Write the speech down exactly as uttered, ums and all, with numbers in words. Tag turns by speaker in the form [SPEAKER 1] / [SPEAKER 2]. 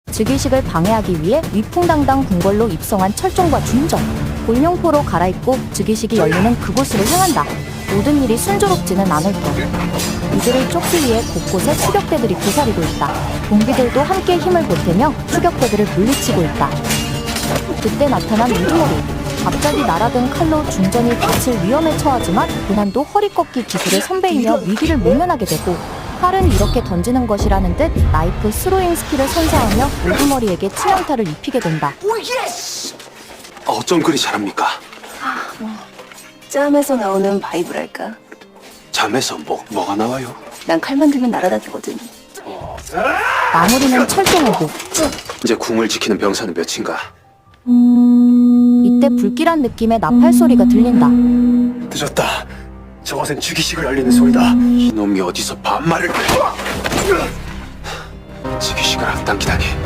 [SPEAKER 1] 즉위식을 방해하기 위해 위풍당당 궁궐로 입성한 철종과 준정. 골룡포로 갈아입고 즉위식이 열리는 그곳으로 향한다. 모든 일이 순조롭지는 않을 것. 이들을 쫓기 위해 곳곳에 추격대들이 도사리고 있다. 동비들도 함께 힘을 보태며 추격대들을 물리치고 있다. 그때 나타난 우두머리. 갑자기 날아든 칼로 준전이 다칠 위험에 처하지만 고난도 허리 꺾기 기술의 선배이며 위기를 모면하게 되고, 칼은 이렇게 던지는 것이라는 듯 나이프 스로잉 스킬을 선사하며 우두머리에게 치명타를 입히게 된다.
[SPEAKER 2] 어쩜 그리 잘합니까?
[SPEAKER 3] 짬에서 나오는 바이브랄까.
[SPEAKER 2] 잠에서 뭐, 뭐가 나와요?
[SPEAKER 3] 난 칼만 들면 날아다니거든.
[SPEAKER 1] 마무리는 철종호고.
[SPEAKER 2] 이제 궁을 지키는 병사는 몇인가?
[SPEAKER 1] 이때 불길한 느낌의 나팔 소리가 들린다.
[SPEAKER 2] 늦었다. 저것은 즉위식을 알리는 소리다. 이놈이 어디서 반말을... 즉위식을 앞당기다니.